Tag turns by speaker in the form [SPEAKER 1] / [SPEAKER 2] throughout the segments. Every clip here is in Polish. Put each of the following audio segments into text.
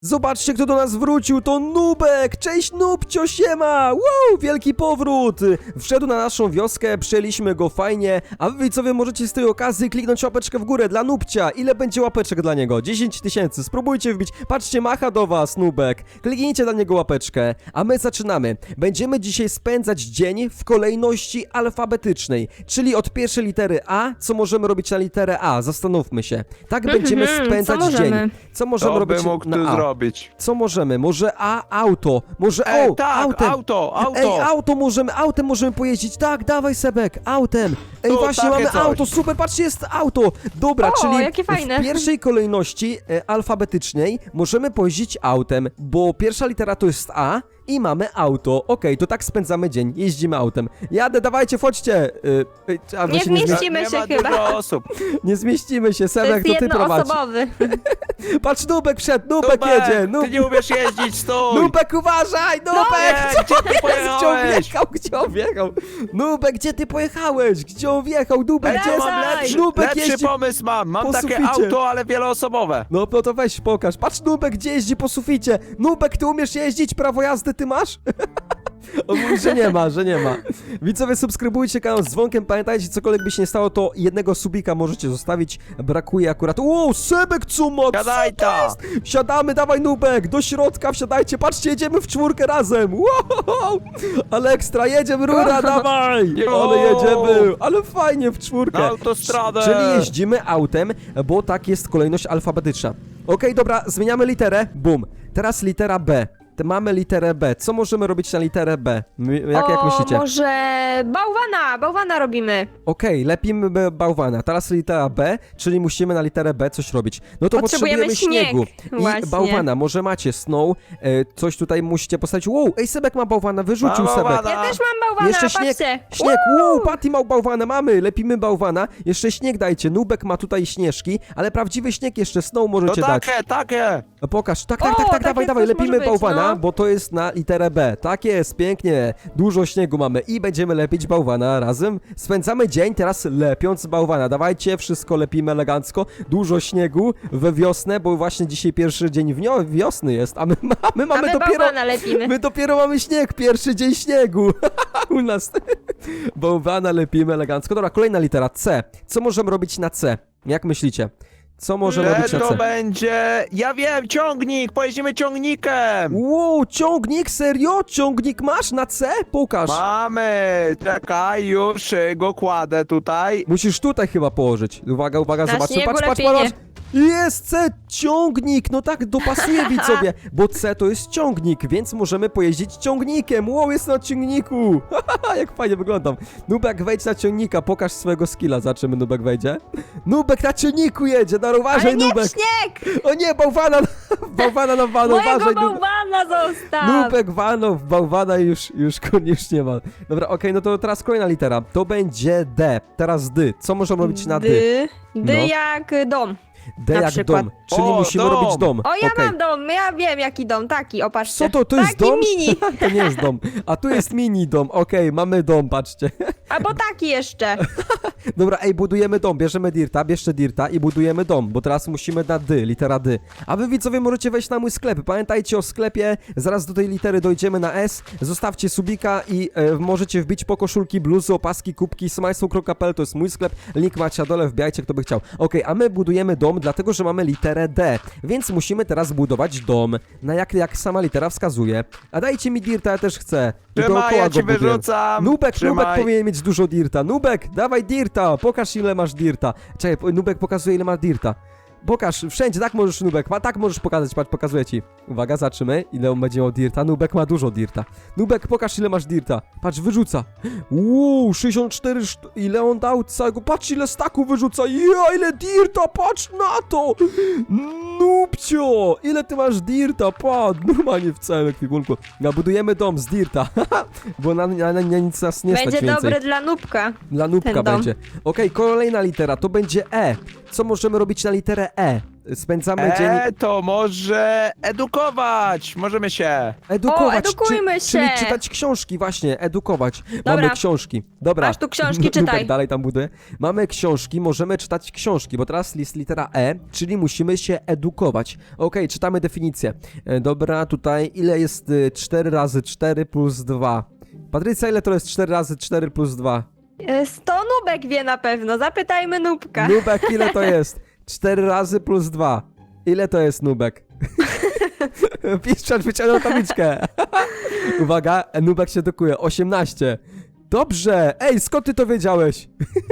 [SPEAKER 1] Zobaczcie, kto do nas wrócił, to Nubek! Cześć Nubcio, siema! Wow, wielki powrót! Wszedł na naszą wioskę, przyjęliśmy go fajnie, a wy widzowie możecie z tej okazji kliknąć łapeczkę w górę dla Nubcia. Ile będzie łapeczek dla niego? 10 000, spróbujcie wbić. Patrzcie, macha do was Nubek. Kliknijcie dla niego łapeczkę, a my zaczynamy. Będziemy dzisiaj spędzać dzień w kolejności alfabetycznej, czyli od pierwszej litery A, co możemy robić na literę A? Zastanówmy się. Tak będziemy spędzać dzień. Co możemy robić na A? Co możemy? Może auto. Może autem możemy pojeździć. Tak, dawaj Sebek, autem. Ej, właśnie mamy coś. Auto, super, patrzcie, jest auto. Dobra, czyli
[SPEAKER 2] jakie fajne.
[SPEAKER 1] W pierwszej kolejności alfabetycznej możemy pojeździć autem, bo pierwsza litera to jest A i mamy auto. Okej, to tak spędzamy dzień, jeździmy autem. Jadę, dawajcie, chodźcie.
[SPEAKER 2] Nie zmieścimy się chyba.
[SPEAKER 3] Osób.
[SPEAKER 1] Nie zmieścimy się,
[SPEAKER 2] To
[SPEAKER 1] Sebek,
[SPEAKER 2] jest
[SPEAKER 1] to ty prowadź.
[SPEAKER 2] jednoosobowy.
[SPEAKER 1] Patrz, Nubek wszedł, Nubek jedzie.
[SPEAKER 3] Ty nie umiesz jeździć, stój!
[SPEAKER 1] Nubek, uważaj! Nubek!
[SPEAKER 3] Nie, gdzie ty pojechałeś?
[SPEAKER 1] Gdzie on wjechał? Nubek, gdzie ty pojechałeś? Gdzie on wjechał? Nubek, gdzie jest?
[SPEAKER 2] Wracaj!
[SPEAKER 1] Nubek
[SPEAKER 3] Lepszy
[SPEAKER 1] jeździ...
[SPEAKER 3] pomysł mam
[SPEAKER 1] po
[SPEAKER 3] takie
[SPEAKER 1] suficie.
[SPEAKER 3] auto, ale wieloosobowe.
[SPEAKER 1] No to weź, pokaż. Patrz, Nubek, gdzie jeździ po suficie. Nubek, ty umiesz jeździć? Prawo jazdy ty masz? On mówi, że nie ma. Widzowie, subskrybujcie kanał z dzwonkiem. Pamiętajcie, cokolwiek by się nie stało, to jednego subika możecie zostawić. Brakuje akurat... Wow, Sebek, co ma?
[SPEAKER 3] Siadaj tam!
[SPEAKER 1] Wsiadamy, dawaj Nubek, do środka wsiadajcie, patrzcie, jedziemy w czwórkę razem, wow, ale ekstra, jedziemy, rura, dawaj, ale jedziemy, ale fajnie w czwórkę.
[SPEAKER 3] Na autostradę.
[SPEAKER 1] Czyli jeździmy autem, bo tak jest kolejność alfabetyczna. Okej, dobra, zmieniamy literę, bum, teraz litera B. Mamy literę B. Co możemy robić na literę B? Jak myślicie?
[SPEAKER 2] Może bałwana robimy.
[SPEAKER 1] Okej, lepimy bałwana. Teraz litera B, czyli musimy na literę B coś robić. No to potrzebujemy śniegu. I
[SPEAKER 2] Właśnie.
[SPEAKER 1] bałwana. Może macie snow, coś tutaj musicie postawić. Wow, ej, Sebek ma bałwana, wyrzucił
[SPEAKER 3] Ma
[SPEAKER 1] Sebek.
[SPEAKER 3] bałwana.
[SPEAKER 2] Ja też mam bałwana,
[SPEAKER 1] Jeszcze śnieg,
[SPEAKER 2] patrzcie.
[SPEAKER 1] śnieg, wow, Patty ma bałwana, mamy, lepimy bałwana. Jeszcze śnieg dajcie, Nubek ma tutaj śnieżki, ale prawdziwy śnieg jeszcze, snow
[SPEAKER 3] To
[SPEAKER 1] możecie dać.
[SPEAKER 3] takie.
[SPEAKER 1] No pokaż, tak,
[SPEAKER 2] takie
[SPEAKER 1] dawaj,
[SPEAKER 2] coś
[SPEAKER 1] lepimy
[SPEAKER 2] może być,
[SPEAKER 1] bałwana,
[SPEAKER 2] no.
[SPEAKER 1] bo to jest na literę B. Tak jest, pięknie, dużo śniegu mamy i będziemy lepić bałwana razem. Spędzamy dzień teraz lepiąc bałwana, dawajcie, wszystko lepimy elegancko, dużo śniegu we wiosnę, bo właśnie dzisiaj pierwszy dzień wiosny jest, a my mamy dopiero...
[SPEAKER 2] bałwana lepimy.
[SPEAKER 1] My dopiero mamy śnieg, pierwszy dzień śniegu u nas. Bałwana lepimy elegancko. Dobra, kolejna litera C. Co możemy robić na C? Jak myślicie? Co możemy robić na
[SPEAKER 3] To
[SPEAKER 1] C?
[SPEAKER 3] będzie... Ja wiem, ciągnik, pojedziemy ciągnikiem.
[SPEAKER 1] Wow, ciągnik? Serio? Ciągnik masz na C? Pokaż.
[SPEAKER 3] Mamy, czekaj, już go kładę tutaj.
[SPEAKER 1] Musisz tutaj chyba położyć. Uwaga,
[SPEAKER 2] Na
[SPEAKER 1] zobaczcie.
[SPEAKER 2] śniegu
[SPEAKER 1] Patrz.
[SPEAKER 2] lepiej nie.
[SPEAKER 1] Jest C, ciągnik, no tak, dopasuje widzowie, bo C to jest ciągnik, więc możemy pojeździć ciągnikiem. Wow, jest na ciągniku. Jak fajnie wyglądam. Nubek, wejdź na ciągnika, pokaż swojego skilla. Zobaczymy, Nubek wejdzie. Nubek na ciągniku jedzie, no uważaj,
[SPEAKER 2] Ale nie
[SPEAKER 1] Nubek.
[SPEAKER 2] śnieg!
[SPEAKER 1] O nie, bałwana na wanu,
[SPEAKER 2] Mojego
[SPEAKER 1] uważaj, Nubek.
[SPEAKER 2] bałwana zostaw!
[SPEAKER 1] Nubek walnął w bałwana i już nie ma. Dobra, okej, no to teraz kolejna litera. To będzie D. Teraz D. Co możemy robić na D?
[SPEAKER 2] D
[SPEAKER 1] No.
[SPEAKER 2] jak dom.
[SPEAKER 1] D
[SPEAKER 2] na
[SPEAKER 1] jak
[SPEAKER 2] przykład.
[SPEAKER 1] dom. Czyli
[SPEAKER 3] O,
[SPEAKER 1] musimy
[SPEAKER 3] dom.
[SPEAKER 1] robić dom.
[SPEAKER 2] O, ja
[SPEAKER 1] Okej.
[SPEAKER 2] mam dom, ja wiem jaki dom, taki, opatrzcie.
[SPEAKER 1] Co to jest
[SPEAKER 2] taki
[SPEAKER 1] dom?
[SPEAKER 2] mini,
[SPEAKER 1] To nie jest dom. A tu jest mini dom. Okej, mamy dom, patrzcie.
[SPEAKER 2] albo taki jeszcze.
[SPEAKER 1] Dobra, ej, budujemy dom. Bierzemy dirta, bierzcie dirta i budujemy dom, bo teraz musimy na D, litera D. A wy widzowie możecie wejść na mój sklep. Pamiętajcie o sklepie, zaraz do tej litery dojdziemy na S. Zostawcie subika i możecie wbić po koszulki, bluzy, opaski, kubki, smajslow.pl, to jest mój sklep. Link macie na dole, wbijajcie kto by chciał. Okej, a my budujemy dom, dlatego że mamy literę D, więc musimy teraz budować dom, na jak sama litera wskazuje. A dajcie mi dirta, ja też chcę. I
[SPEAKER 3] Trzymaj,
[SPEAKER 1] dookoła
[SPEAKER 3] ja
[SPEAKER 1] go
[SPEAKER 3] ci
[SPEAKER 1] buduję.
[SPEAKER 3] wyrzucam.
[SPEAKER 1] Nubek
[SPEAKER 3] Trzymaj.
[SPEAKER 1] powinien mieć dużo dirta. Nubek, dawaj dirta, pokaż ile masz dirta. Czekaj, Nubek pokazuje ile ma dirta. Pokaż, wszędzie, tak możesz Nubek, tak możesz pokazać, patrz, pokazuję ci. Uwaga, zobaczymy, ile on będzie miał dirta. Nubek ma dużo dirta. Nubek, pokaż ile masz dirta. Patrz, wyrzuca. 64, ile on dał całego, patrz ile staku wyrzuca. Ja, ile dirta, patrz na to. Nubcio, ile ty masz dirta, patrz, normalnie w całym ekwipunku. Budujemy dom z dirta, bo na nic nas nie stać
[SPEAKER 2] Będzie
[SPEAKER 1] więcej.
[SPEAKER 2] dobre dla nubka.
[SPEAKER 1] Dla Nubka
[SPEAKER 2] ten dom.
[SPEAKER 1] będzie. Okej, kolejna litera, to będzie E. Co możemy robić na literę E? Spędzamy dzień...
[SPEAKER 3] To może edukować. Możemy się.
[SPEAKER 1] Edukować,
[SPEAKER 2] O, edukujmy
[SPEAKER 1] czyli
[SPEAKER 2] się.
[SPEAKER 1] czytać książki, właśnie, edukować.
[SPEAKER 2] Dobra.
[SPEAKER 1] Mamy książki. Dobra.
[SPEAKER 2] Masz tu książki,
[SPEAKER 1] Nubek
[SPEAKER 2] czytaj.
[SPEAKER 1] dalej tam buduje. Mamy książki, możemy czytać książki, bo teraz jest litera E, czyli musimy się edukować. Okej, czytamy definicję. Dobra, tutaj ile jest 4 razy 4 plus 2? Patrycja, ile to jest 4 razy 4 plus 2?
[SPEAKER 2] 100 Nubek wie na pewno, zapytajmy Nubka.
[SPEAKER 1] Nubek, ile to jest? 4 razy plus 2. Ile to jest, Nubek? Piszczacz wyciągnął tabliczkę. Uwaga, Nubek się edukuje. 18. Dobrze! Ej, skąd ty to wiedziałeś?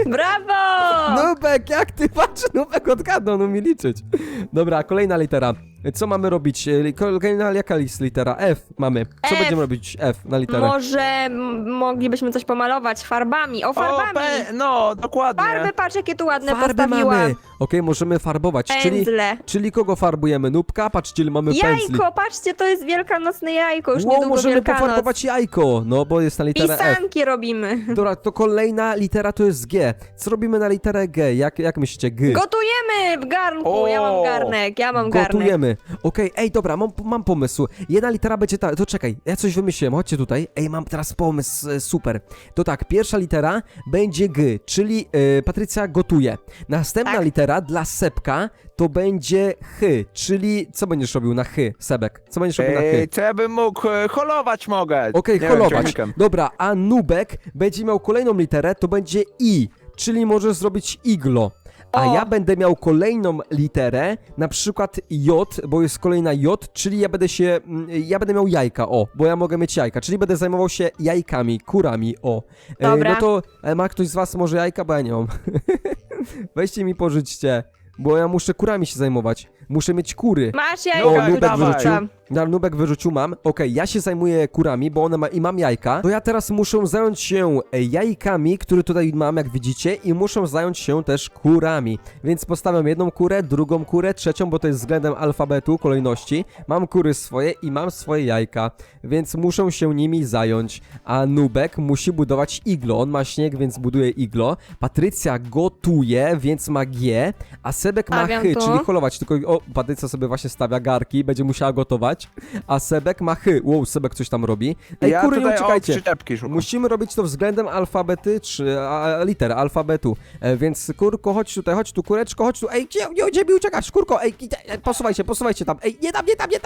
[SPEAKER 2] Brawo!
[SPEAKER 1] Nubek, jak ty patrz? Nubek odgadnął, no mi liczyć. Dobra, kolejna litera. Co mamy robić? Kolejna, jaka jest litera? F mamy. Co
[SPEAKER 2] F.
[SPEAKER 1] będziemy robić F na literę?
[SPEAKER 2] Może moglibyśmy coś pomalować farbami. O, farbami!
[SPEAKER 3] No, dokładnie.
[SPEAKER 2] Farby, patrz jakie tu ładne
[SPEAKER 1] Farby
[SPEAKER 2] postawiłam.
[SPEAKER 1] mamy. Okej, możemy farbować,
[SPEAKER 2] Pędzle.
[SPEAKER 1] czyli kogo farbujemy? Nubka? Patrzcie, ile mamy pędzli.
[SPEAKER 2] Jajko, patrzcie, to jest wielkanocne jajko, już
[SPEAKER 1] Wow,
[SPEAKER 2] niedługo
[SPEAKER 1] możemy
[SPEAKER 2] Wielkanoc.
[SPEAKER 1] pofarbować jajko, no bo jest na literę F.
[SPEAKER 2] Pisanki robimy.
[SPEAKER 1] Dobra, to kolejna litera to jest G. Co robimy na literę G? Jak myślicie? G.
[SPEAKER 2] Gotujemy w garnku, ja mam
[SPEAKER 3] O!
[SPEAKER 2] garnek, ja mam garnek.
[SPEAKER 1] Gotujemy. Okej, ej, dobra, mam pomysł. Jedna litera będzie ta... To czekaj, ja coś wymyśliłem, chodźcie tutaj. Ej, mam teraz pomysł, super. To tak, pierwsza litera będzie G, czyli Patrycja gotuje. Następna
[SPEAKER 2] Tak.
[SPEAKER 1] litera dla Sepka to będzie H, czyli co będziesz robił na H, Sebek? Co będziesz robił na H?
[SPEAKER 3] Co ja bym mógł? Holować mogę.
[SPEAKER 1] Okej,
[SPEAKER 3] Nie wiem,
[SPEAKER 1] holować.
[SPEAKER 3] ciągnikiem.
[SPEAKER 1] Dobra, a Nubek będzie miał kolejną literę, to będzie I, czyli możesz zrobić iglo. A
[SPEAKER 2] O.
[SPEAKER 1] ja będę miał kolejną literę, na przykład J, bo jest kolejna J, czyli ja będę miał jajka, bo ja mogę mieć jajka, czyli będę zajmował się jajkami, kurami,
[SPEAKER 2] Dobra.
[SPEAKER 1] No to ma ktoś z was może jajka, bo ja nie mam. Weźcie mi pożyczcie, bo ja muszę kurami się zajmować. Muszę mieć kury.
[SPEAKER 2] Masz
[SPEAKER 3] O,
[SPEAKER 2] jajko,
[SPEAKER 3] Nubek
[SPEAKER 2] tutaj
[SPEAKER 3] wyrzucił.
[SPEAKER 2] wrzucam.
[SPEAKER 1] Nubek wyrzucił, mam. Okej, ja się zajmuję kurami, bo mam jajka. To ja teraz muszę zająć się jajkami, które tutaj mam, jak widzicie, i muszę zająć się też kurami. Więc postawiam jedną kurę, drugą kurę, trzecią, bo to jest względem alfabetu, kolejności. Mam kury swoje i mam swoje jajka, więc muszę się nimi zająć. A Nubek musi budować iglo. On ma śnieg, więc buduje iglo. Patrycja gotuje, więc ma G, a Sebek ma
[SPEAKER 2] Stawiam
[SPEAKER 1] H,
[SPEAKER 2] tu.
[SPEAKER 1] czyli holować. Tylko, Patrycja sobie właśnie stawia garki, będzie musiała gotować. A Sebek ma H. Wow, Sebek coś tam robi. Ej,
[SPEAKER 3] Ja
[SPEAKER 1] kury, nie
[SPEAKER 3] tutaj
[SPEAKER 1] uciekajcie.
[SPEAKER 3] przyczepki szukam.
[SPEAKER 1] Musimy robić to względem alfabety, czy liter alfabetu. Więc kurko, chodź tu, kureczko, chodź tu. Ej, gdzie mi uciekasz? Kurko, ej, posuwajcie tam. Ej, nie tam.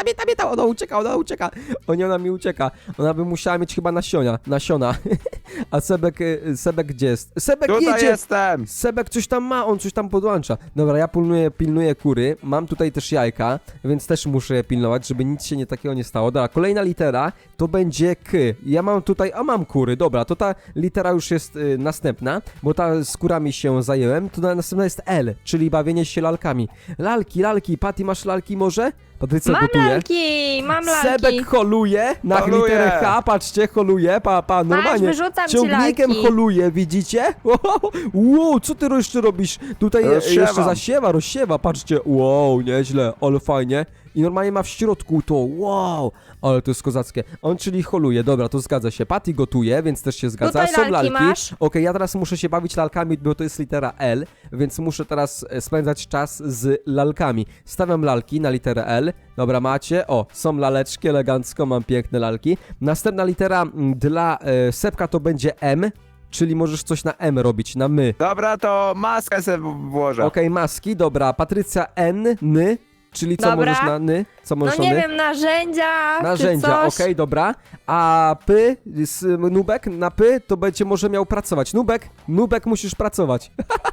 [SPEAKER 1] Ona ucieka. O nie, ona mi ucieka. Ona by musiała mieć chyba nasiona. A Sebek gdzie jest? Sebek
[SPEAKER 3] Tutaj
[SPEAKER 1] jedzie!
[SPEAKER 3] jestem.
[SPEAKER 1] Sebek coś tam ma, on coś tam podłącza. Dobra, ja pilnuję kury, mam tutaj też jajka, więc też muszę je pilnować, żeby nic się takiego nie stało. Dobra, kolejna litera to będzie K. Ja mam tutaj, mam kury, dobra, to ta litera już jest następna, bo ta z kurami się zajęłem, to następna jest L, czyli bawienie się lalkami. Lalki, Patty, masz lalki może? Patrycja
[SPEAKER 2] Mam
[SPEAKER 1] gotuje.
[SPEAKER 2] mam lalki.
[SPEAKER 1] Sebek holuje na
[SPEAKER 3] Holuje.
[SPEAKER 1] literę H, patrzcie, holuje, normalnie.
[SPEAKER 2] wyrzucam ci
[SPEAKER 1] Ciągnikiem
[SPEAKER 2] lalki.
[SPEAKER 1] holuje, widzicie? Wow, co ty jeszcze robisz? Tutaj
[SPEAKER 3] Rozsiewam.
[SPEAKER 1] jeszcze rozsiewa, patrzcie, wow, nieźle, ale fajnie. I normalnie ma w środku to, wow, ale to jest kozackie. On czyli holuje, dobra, to zgadza się. Patty gotuje, więc też się zgadza.
[SPEAKER 2] Tutaj
[SPEAKER 1] Są
[SPEAKER 2] lalki
[SPEAKER 1] lalki.
[SPEAKER 2] masz?
[SPEAKER 1] Okej, ja teraz muszę się bawić lalkami, bo to jest litera L, więc muszę teraz spędzać czas z lalkami. Stawiam lalki na literę L. Dobra, macie. Są laleczki, elegancko, mam piękne lalki. Następna litera dla Sepka to będzie M, czyli możesz coś na M robić, na my.
[SPEAKER 3] Dobra, to maskę sobie włożę.
[SPEAKER 1] Okej, maski, dobra. Patrycja N, ny, czyli co
[SPEAKER 2] Dobra.
[SPEAKER 1] możesz na ny? Co możesz
[SPEAKER 2] No
[SPEAKER 1] na
[SPEAKER 2] nie
[SPEAKER 1] ny?
[SPEAKER 2] wiem, narzędzia,
[SPEAKER 1] Narzędzia,
[SPEAKER 2] czy coś.
[SPEAKER 1] okej, dobra. A Nubek na to będzie może miał pracować. Nubek musisz pracować.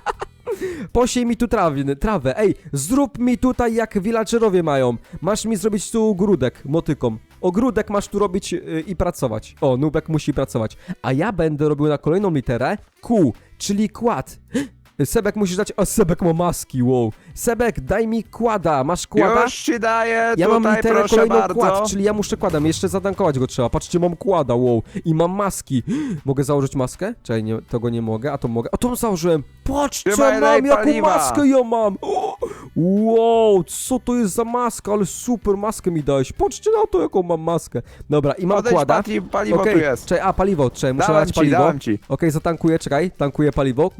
[SPEAKER 1] Posiej mi tu trawę. Ej, zrób mi tutaj jak villagerowie mają. Masz mi zrobić tu ogródek motyką. Ogródek masz tu robić i pracować. Nubek musi pracować. A ja będę robił na kolejną literę Q, czyli kład. Sebek musisz dać... Sebek ma maski, wow. Sebek, daj mi kłada. Masz kłada?
[SPEAKER 3] Już ci daję,
[SPEAKER 1] Ja mam
[SPEAKER 3] tutaj
[SPEAKER 1] literę
[SPEAKER 3] proszę
[SPEAKER 1] kolejną
[SPEAKER 3] bardzo.
[SPEAKER 1] kład, czyli ja muszę kładem, jeszcze zatankować go trzeba. Patrzcie, mam kłada, wow. I mam maski. Mogę założyć maskę? Czekaj, tego nie mogę, a to mogę. A tą założyłem. Patrz, co
[SPEAKER 3] Trzymaj,
[SPEAKER 1] mam,
[SPEAKER 3] daj
[SPEAKER 1] jaką
[SPEAKER 3] paliwa.
[SPEAKER 1] maskę ja mam! O, wow, co to jest za maska, ale super maskę mi dałeś. Patrzcie na to, jaką mam maskę. Dobra, i mam
[SPEAKER 3] Podejdź,
[SPEAKER 1] kłada.
[SPEAKER 3] Pati, paliwo
[SPEAKER 1] Okej,
[SPEAKER 3] tu jest.
[SPEAKER 1] czekaj, a paliwo, czekaj, muszę
[SPEAKER 3] Dałem
[SPEAKER 1] dać
[SPEAKER 3] ci,
[SPEAKER 1] paliwo.
[SPEAKER 3] dałem ci.
[SPEAKER 1] Okej, zatankuję, czekaj, tankuję paliwo.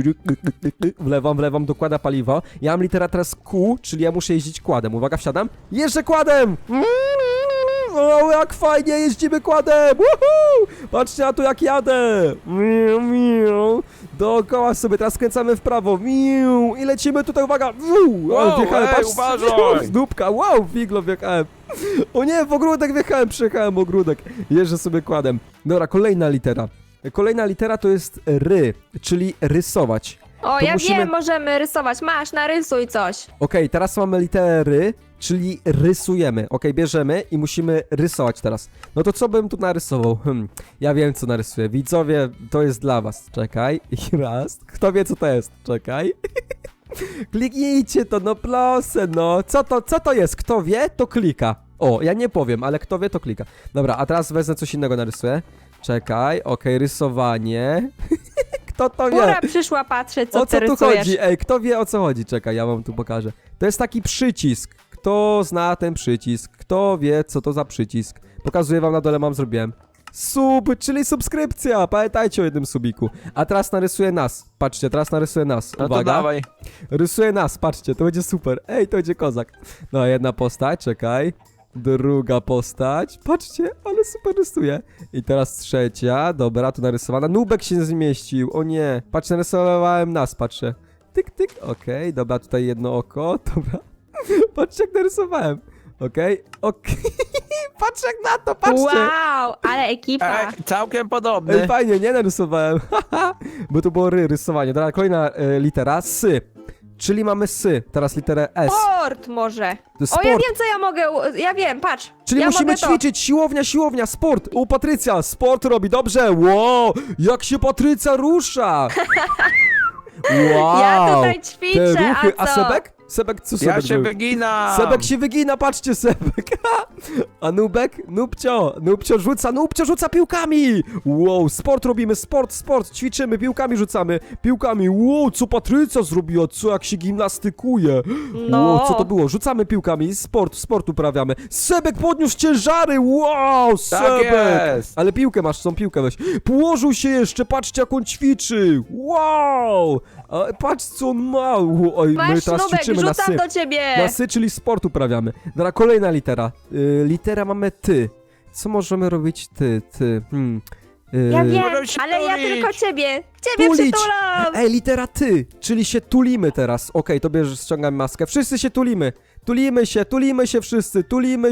[SPEAKER 1] Wlewam, dokłada paliwo. Ja mam litera teraz Q, czyli ja muszę jeździć kładem. Uwaga, wsiadam. Jeżdżę kładem! O, jak fajnie jeździmy kładem! Woohoo! Patrzcie na to, jak jadę! Miu, miu. Dookoła sobie, teraz skręcamy w prawo. Miu. I lecimy tutaj, uwaga!
[SPEAKER 3] Wow,
[SPEAKER 1] wjechałem,
[SPEAKER 3] ej,
[SPEAKER 1] patrz,
[SPEAKER 3] uważaj!
[SPEAKER 1] z dupka, wow, figlo wjechałem. O nie, w ogródek wjechałem, przejechałem ogródek. Jeżdżę sobie kładem. Dobra, kolejna litera. Kolejna litera to jest ry, czyli rysować.
[SPEAKER 2] O,
[SPEAKER 1] To
[SPEAKER 2] ja
[SPEAKER 1] musimy-
[SPEAKER 2] wiem, możemy rysować. Masz, narysuj coś.
[SPEAKER 1] Okej, teraz mamy litery, czyli rysujemy. Okej, bierzemy i musimy rysować teraz. No to co bym tu narysował? Ja wiem, co narysuję. Widzowie, to jest dla was. Czekaj. I raz. Kto wie, co to jest? Czekaj. Kliknijcie to, no proszę, no. Co to jest? Kto wie, to klika. O, ja nie powiem, ale kto wie, to klika. Dobra, a teraz wezmę coś innego, narysuję. Czekaj, okej, rysowanie. Kto to wie?
[SPEAKER 2] Góra przyszła, patrzy, co
[SPEAKER 1] O
[SPEAKER 2] ty
[SPEAKER 1] co tu
[SPEAKER 2] rysujesz.
[SPEAKER 1] chodzi? Ej, kto wie, o co chodzi? Czekaj, ja wam tu pokażę. To jest taki przycisk. Kto zna ten przycisk? Kto wie, co to za przycisk? Pokazuję wam na dole, zrobiłem. Sub, czyli subskrypcja. Pamiętajcie o jednym subiku. A teraz narysuję nas. Patrzcie, teraz narysuję nas.
[SPEAKER 3] No to
[SPEAKER 1] Uwaga.
[SPEAKER 3] dawaj.
[SPEAKER 1] Rysuję nas, patrzcie, to będzie super. Ej, to będzie kozak. No, jedna postać, czekaj. Druga postać. Patrzcie, ale super rysuje. I teraz trzecia, dobra, tu narysowana. Nubek się nie zmieścił, o nie. Patrz, narysowałem nas, patrzę. Tyk, tyk, okej, dobra, tutaj jedno oko, dobra. Patrzcie, jak narysowałem. Okej. Patrz jak na to, patrzcie.
[SPEAKER 2] Wow, ale ekipa.
[SPEAKER 3] Całkiem podobny.
[SPEAKER 1] Ej, fajnie, nie narysowałem. Bo to było rysowanie. Dobra, kolejna litera, sy. Czyli mamy sy. Teraz literę S.
[SPEAKER 2] Sport może.
[SPEAKER 1] To jest
[SPEAKER 2] O, ja
[SPEAKER 1] sport.
[SPEAKER 2] wiem, co ja mogę. Ja wiem, patrz.
[SPEAKER 1] Czyli
[SPEAKER 2] ja
[SPEAKER 1] musimy
[SPEAKER 2] mogę to.
[SPEAKER 1] ćwiczyć, siłownia, sport. O, Patrycja, sport robi, dobrze. Wow, jak się Patrycja rusza. Wow.
[SPEAKER 2] Ja tutaj ćwiczę,
[SPEAKER 1] Te ruchy.
[SPEAKER 2] a co?
[SPEAKER 1] Sebek? Sebek, co Sebek
[SPEAKER 3] Ja się
[SPEAKER 1] zrobił?
[SPEAKER 3] wyginam.
[SPEAKER 1] Sebek się wygina, patrzcie, Sebek. A Nubek? Nubcio rzuca piłkami. Wow, sport robimy, sport, ćwiczymy, piłkami rzucamy. Piłkami, wow, co Patrycja zrobiła, co jak się gimnastykuje.
[SPEAKER 2] No.
[SPEAKER 1] Wow, co to było? Rzucamy piłkami, sport uprawiamy. Sebek podniósł ciężary, wow,
[SPEAKER 3] Tak
[SPEAKER 1] Sebek.
[SPEAKER 3] jest.
[SPEAKER 1] Ale piłkę masz, tą piłkę weź. Położył się jeszcze, patrzcie jak on ćwiczy. Wow. A, patrz co on ma. Oj, my
[SPEAKER 2] Masz,
[SPEAKER 1] teraz
[SPEAKER 2] Nubek,
[SPEAKER 1] ćwiczymy na sy.
[SPEAKER 2] rzucam do ciebie.
[SPEAKER 1] Na sy, czyli sport uprawiamy. Dobra, kolejna litera. Litera mamy ty. Co możemy robić ty?
[SPEAKER 2] Ja wiem,
[SPEAKER 3] Możemy się
[SPEAKER 2] ale ja
[SPEAKER 3] tulić.
[SPEAKER 2] tylko ciebie. Ciebie
[SPEAKER 1] Tulić.
[SPEAKER 2] przytulam.
[SPEAKER 1] Ej, litera ty, czyli się tulimy teraz. Okej, to bierzesz, ściągam maskę. Wszyscy się tulimy. Tulimy się wszyscy, tulimy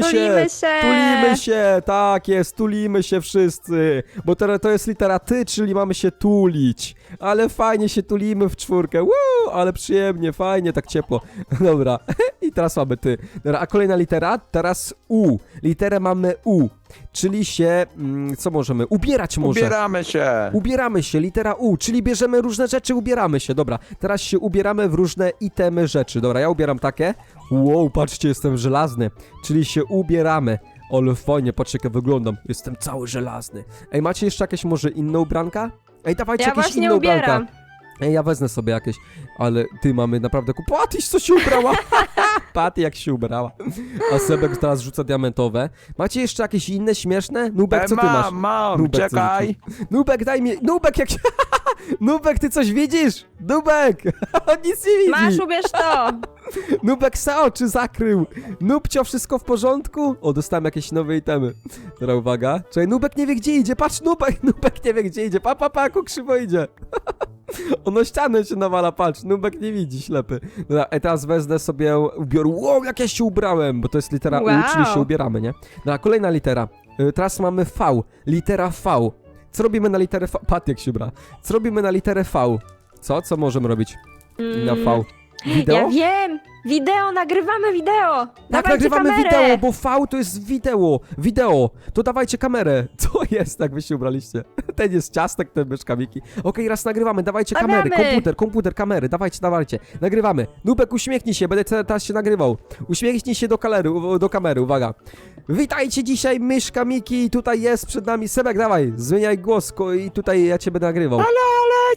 [SPEAKER 1] się, tak jest, tulimy się wszyscy. Bo to jest litera ty, czyli mamy się tulić. Ale fajnie się tulimy w czwórkę. Woo, ale przyjemnie, fajnie, tak ciepło. Dobra, i teraz mamy ty. Dobra, a kolejna litera, teraz U. Literę mamy U, czyli się, co możemy? Ubierać może.
[SPEAKER 3] Ubieramy się.
[SPEAKER 1] Litera U, czyli bierzemy różne rzeczy, ubieramy się, dobra. Teraz się ubieramy w różne itemy rzeczy, dobra, ja ubieram takie. Wow, patrzcie, jestem żelazny, czyli się ubieramy. Ale fajnie, patrzcie jak wyglądam, jestem cały żelazny. Ej, macie jeszcze jakieś może inne ubranka? Ej, dawajcie
[SPEAKER 2] Ja
[SPEAKER 1] jakieś
[SPEAKER 2] właśnie
[SPEAKER 1] inne ubranka.
[SPEAKER 2] ubieram.
[SPEAKER 1] Ej, ja wezmę sobie jakieś, ale ty mamy naprawdę Patyś, co się ubrała? Paty jak się ubrała. A Sebek teraz rzuca diamentowe. Macie jeszcze jakieś inne śmieszne? Nubek, co ty masz?
[SPEAKER 3] Mam,
[SPEAKER 1] Nubek, co
[SPEAKER 3] czekaj.
[SPEAKER 1] rzucił? Nubek, daj mi. Nubek, jak się. Nubek, ty coś widzisz? Nubek! On nic nie widzi.
[SPEAKER 2] Masz, ubierz to.
[SPEAKER 1] Nubek se oczy zakrył. Nubcio, wszystko w porządku? O, dostałem jakieś nowe itemy. Dobra, uwaga. Czekaj, Nubek nie wie gdzie idzie. Patrz, Nubek nie wie gdzie idzie. Pa, jak krzywo idzie. Ono ścianę się nawala, patrz. Nubek nie widzi, ślepy. Dobra, teraz wezmę sobie ubiór. Wow, jak ja się ubrałem, bo to jest litera
[SPEAKER 2] Wow.
[SPEAKER 1] U, czyli się ubieramy, nie? Dobra, kolejna litera. Teraz mamy V. Litera V. Co robimy na literę V? Pat jak się ubra. Co robimy na literę V? Co możemy robić na V? Wideo?
[SPEAKER 2] Ja wiem. Wideo, nagrywamy wideo.
[SPEAKER 1] Tak,
[SPEAKER 2] Dawajcie
[SPEAKER 1] nagrywamy
[SPEAKER 2] kamerę.
[SPEAKER 1] wideo, bo V to jest wideo. To dawajcie kamerę. Co jest, jak wy się ubraliście? Ten jest ciastek, ten myszka Miki. Okej, raz nagrywamy, dawajcie kamery.
[SPEAKER 2] Nagramy.
[SPEAKER 1] Komputer, kamery, dawajcie. Nagrywamy. Nubek, uśmiechnij się, będę teraz się nagrywał. Uśmiechnij się do kamery, uwaga. Witajcie dzisiaj, myszka Miki, tutaj jest przed nami Sebek, dawaj, zmieniaj głos i tutaj ja cię będę nagrywał.
[SPEAKER 3] Ale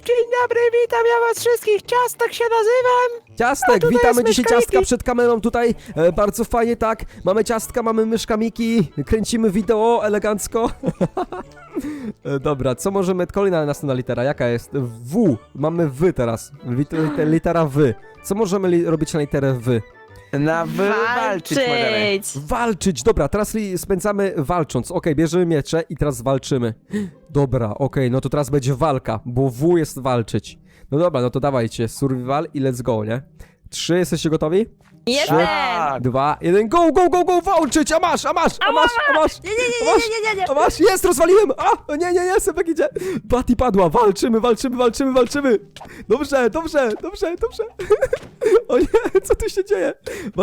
[SPEAKER 3] Dzień dobry, witam ja was wszystkich, Ciastek się nazywam.
[SPEAKER 1] Ciastek,
[SPEAKER 3] tutaj
[SPEAKER 1] witamy
[SPEAKER 3] jest
[SPEAKER 1] dzisiaj
[SPEAKER 3] myszka
[SPEAKER 1] Ciastka
[SPEAKER 3] Miki.
[SPEAKER 1] przed kamerą tutaj, bardzo fajnie, tak, mamy Ciastka, mamy myszka Miki, kręcimy wideo elegancko. Dobra, co możemy, kolejna następna litera, jaka jest? W, mamy W teraz, litera W. Co możemy robić na literę W?
[SPEAKER 3] Na walczyć możemy.
[SPEAKER 1] Walczyć, dobra, teraz spędzamy walcząc, okej, bierzemy miecze i teraz walczymy. Dobra, okej, no to teraz będzie walka, bo W jest walczyć. No dobra, no to dawajcie, survival i let's go, nie? 3, jesteście gotowi?
[SPEAKER 2] Jestem!
[SPEAKER 3] Tak.
[SPEAKER 1] 2, 1, go, go, go, go, walczyć, a masz!
[SPEAKER 2] Nie,
[SPEAKER 1] A masz, jest, rozwaliłem! A, nie, Sebek idzie! Patty padła, walczymy! Dobrze. O nie, co tu się dzieje?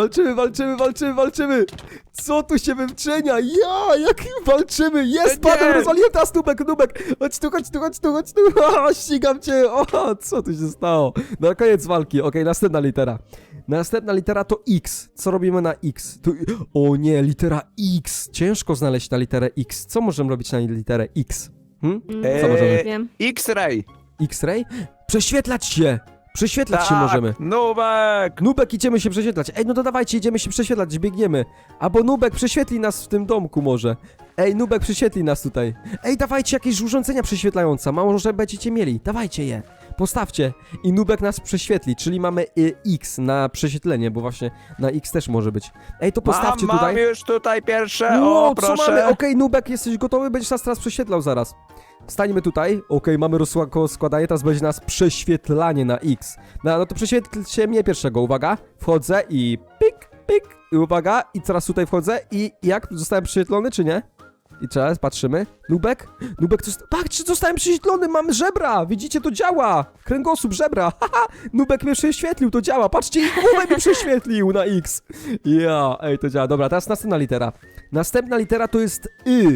[SPEAKER 1] Walczymy! Co tu się wyczynia? Jak walczymy? Jest,
[SPEAKER 3] Nie.
[SPEAKER 1] padłem, rozwaliłem teraz Nubek! Chodź tu! O, ścigam cię! O, co tu się stało? Na koniec walki, okej, następna litera. Następna litera to X. Co robimy na X? O nie, litera X. Ciężko znaleźć na literę X. Co możemy robić na literę X? Co możemy?
[SPEAKER 2] Wiem.
[SPEAKER 3] X-ray.
[SPEAKER 1] X-ray? Prześwietlać się! Prześwietlać się możemy.
[SPEAKER 3] Nubek.
[SPEAKER 1] Nubek, idziemy się prześwietlać. Ej, no to dawajcie, idziemy się prześwietlać, biegniemy. Albo Nubek prześwietli nas w tym domku może. Ej, Nubek prześwietli nas tutaj. Ej, dawajcie jakieś urządzenia prześwietlające. Może będziecie mieli. Dawajcie je. Postawcie. I Nubek nas prześwietli, czyli mamy X na prześwietlenie, bo właśnie na X też może być. Ej, to postawcie
[SPEAKER 3] mam
[SPEAKER 1] tutaj.
[SPEAKER 3] już tutaj pierwsze,
[SPEAKER 1] Wow,
[SPEAKER 3] o
[SPEAKER 1] co
[SPEAKER 3] proszę.
[SPEAKER 1] mamy? Okej, Nubek, jesteś gotowy? Będziesz nas teraz prześwietlał zaraz. Stańmy tutaj. Okej, mamy składanie, teraz będzie nas prześwietlanie na X. No to prześwietlcie mnie pierwszego, uwaga. Wchodzę i pik. I uwaga, i teraz tutaj wchodzę i jak? Zostałem prześwietlony, czy nie? I teraz patrzymy. Nubek, patrz, zostałem prześwietlony, mam żebra! Widzicie, to działa! Kręgosłup, żebra! Haha! Nubek mnie prześwietlił, to działa! Patrzcie, głowę mi prześwietlił na X! Ja, ej, to działa. Dobra, teraz następna litera. Następna litera to jest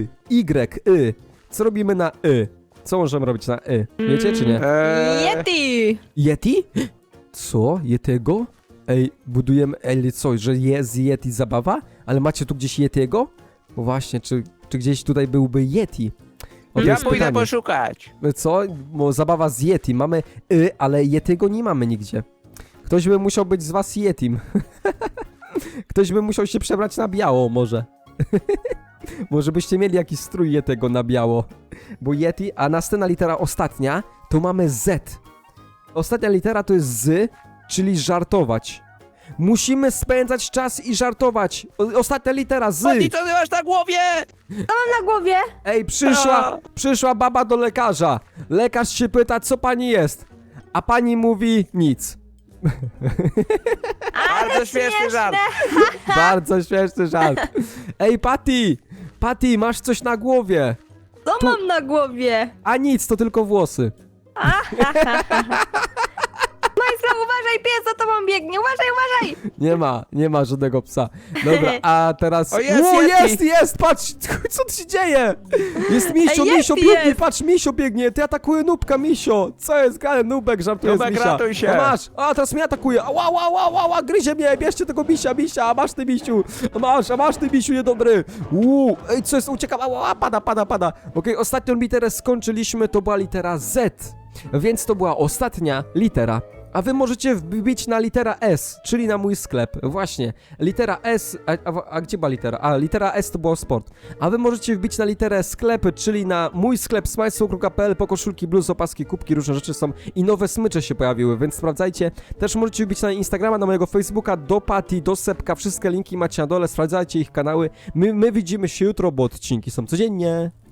[SPEAKER 1] Y. Co robimy na Y? Co możemy robić na Y? Wiecie, czy nie?
[SPEAKER 2] Yeti!
[SPEAKER 1] Yeti? Co? Yetiego? Ej, budujemy... Ej, co, że jest Yeti zabawa? Ale macie tu gdzieś Yetiego? No właśnie, czy gdzieś tutaj byłby Yeti? O, to
[SPEAKER 3] Ja
[SPEAKER 1] jest
[SPEAKER 3] pójdę
[SPEAKER 1] pytanie.
[SPEAKER 3] poszukać.
[SPEAKER 1] Co? Bo zabawa z Yeti. Mamy ale Yetiego nie mamy nigdzie. Ktoś by musiał być z was Yetim. Ktoś by musiał się przebrać na biało może. Może byście mieli jakiś strój Yetiego na biało. Bo Yeti, a następna litera ostatnia, to mamy Z. Ostatnia litera to jest Z, czyli żartować. Musimy spędzać czas i żartować. Ostatnia litera Z.
[SPEAKER 3] Patty, co ty masz na głowie?
[SPEAKER 2] Mam na głowie!
[SPEAKER 1] Ej,
[SPEAKER 3] A.
[SPEAKER 1] przyszła baba do lekarza. Lekarz się pyta, co pani jest? A pani mówi nic.
[SPEAKER 3] Bardzo śmieszny żart.
[SPEAKER 1] Bardzo śmieszny żart. Ej, Patty, masz coś na głowie.
[SPEAKER 2] Co mam na głowie?
[SPEAKER 1] A nic, to tylko włosy.
[SPEAKER 2] Majsla, uważaj, pies za tobą biegnie! Uważaj!
[SPEAKER 1] Nie ma żadnego psa. Dobra, a teraz...
[SPEAKER 3] O, jest
[SPEAKER 1] O,
[SPEAKER 3] Yeti.
[SPEAKER 1] jest, patrz, co tu się dzieje? Jest Misio,
[SPEAKER 2] Ej,
[SPEAKER 1] Misio
[SPEAKER 2] Yeti
[SPEAKER 1] biegnie,
[SPEAKER 2] jest.
[SPEAKER 1] patrz, Misio biegnie, ty atakuje Nubka, Misio. Co jest grane, Nubek żartuje z
[SPEAKER 3] Nubek,
[SPEAKER 1] Misia.
[SPEAKER 3] ratuj się.
[SPEAKER 1] A masz, a teraz mnie atakuje, ła, gryzie mnie, bierzcie tego Misia, a masz ty Misiu, a masz ty Misiu niedobry. Ej, co jest, uciekam, pada. Okej, ostatnią literę skończyliśmy, to była litera Z, więc to była ostatnia litera. A wy możecie wbić na litera S, czyli na mój sklep. Właśnie, litera S, a gdzie była litera? A, litera S to było sport. A wy możecie wbić na literę sklep, czyli na mój sklep smajslow.pl, po koszulki, bluz, opaski, kubki, różne rzeczy są i nowe smycze się pojawiły, więc sprawdzajcie. Też możecie wbić na Instagrama, na mojego Facebooka, do Patty, do Sepka, wszystkie linki macie na dole, sprawdzajcie ich kanały. My widzimy się jutro, bo odcinki są codziennie.